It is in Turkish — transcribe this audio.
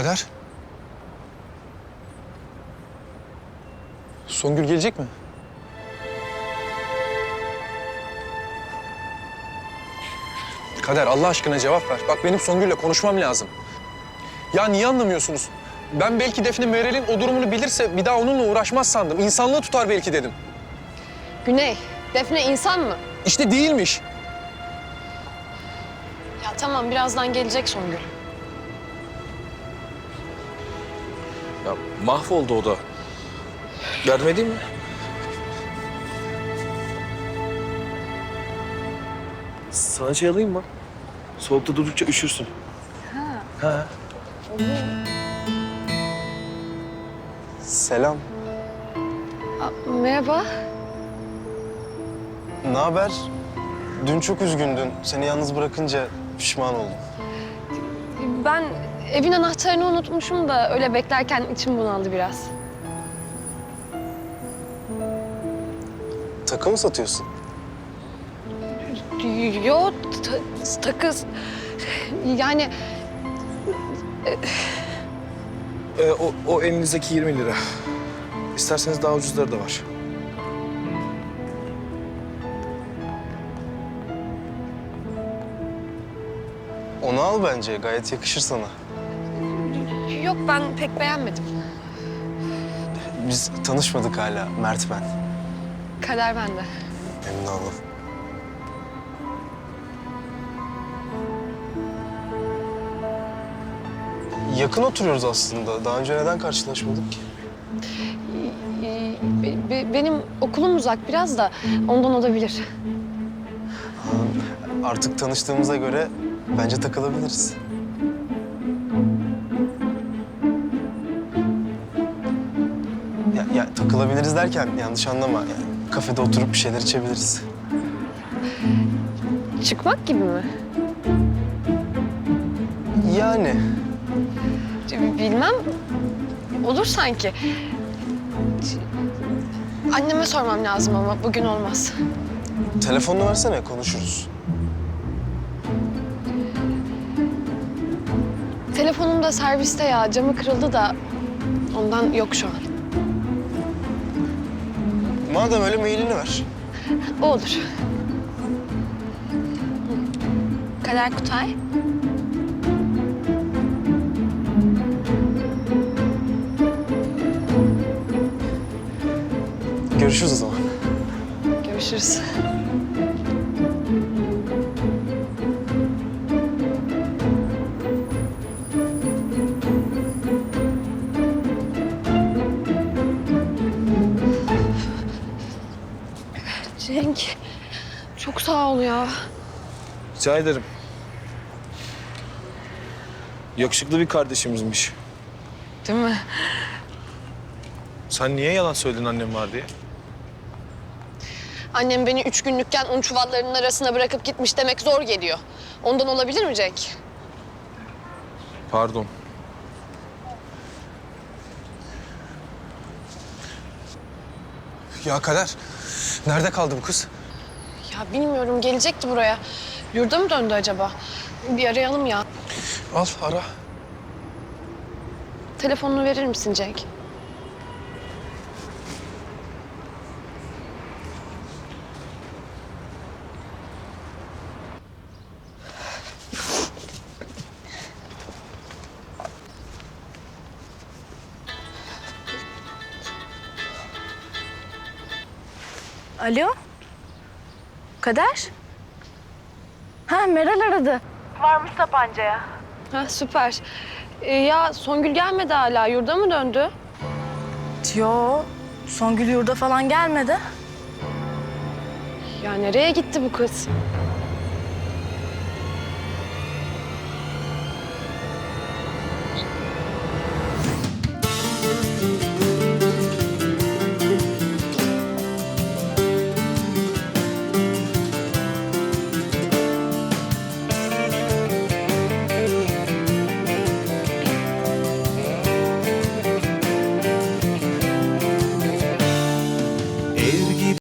Kader. Songül gelecek mi? Kader, Allah aşkına cevap ver. Bak benim Songül'le konuşmam lazım. Ya niye anlamıyorsunuz? Ben belki Defne Meral'in o durumunu bilirse bir daha onunla uğraşmaz sandım. İnsanlığı tutar belki dedim. Güney, Defne insan mı? İşte değilmiş. Ya tamam, birazdan gelecek Songül. Ya mahvoldu o da. Yardım edeyim mi? Sana şey alayım mı? Soğukta durdukça üşürsün. Ha. Selam. Merhaba. Ne haber? Dün çok üzgündün. Seni yalnız bırakınca pişman oldum. Ben evin anahtarını unutmuşum da öyle beklerken içim bunaldı biraz. Takı mı satıyorsun? Yo, takız. Yani O elinizdeki 20 lira. İsterseniz daha ucuzları da var. Onu al bence. Gayet yakışır sana. yok, ben pek beğenmedim. Biz tanışmadık hala. Mert ben. Kader bende. Memnun oldum. Yakın oturuyoruz aslında. Daha önce neden karşılaşmadık ki? Benim okulum uzak biraz da ondan olabilir. Artık tanıştığımıza göre bence takılabiliriz. Ya takılabiliriz derken yanlış anlama. Yani kafede oturup bir şeyler içebiliriz. Çıkmak gibi mi? Yani Bilmem. Olur sanki. Anneme sormam lazım ama bugün olmaz. telefonunu versene konuşuruz. Telefonum da serviste ya. Camı kırıldı da ondan yok şu an. Madem öyle mailini ver. O olur. Kader Kutay. Görüşürüz o zaman. Görüşürüz. Cenk, çok sağ ol ya. Rica ederim. Yakışıklı bir kardeşimizmiş. Değil mi? Sen niye yalan söyledin annem var diye? Annem beni 3 günlükken un çuvallarının arasına bırakıp gitmiş demek zor geliyor. Ondan olabilir mi Cenk? Pardon. Ya Kader, nerede kaldı bu kız? Ya bilmiyorum, gelecekti buraya. Yurda mı döndü acaba? Bir arayalım ya. Al, ara. Telefonunu verir misin Cenk? Alo? Kader? Ha, Meral aradı. Varmış Sapanca'ya. Ha, süper. Ya Songül gelmedi hala. Yurda mı döndü? Yo, Songül yurda falan gelmedi. Ya nereye gitti bu kız?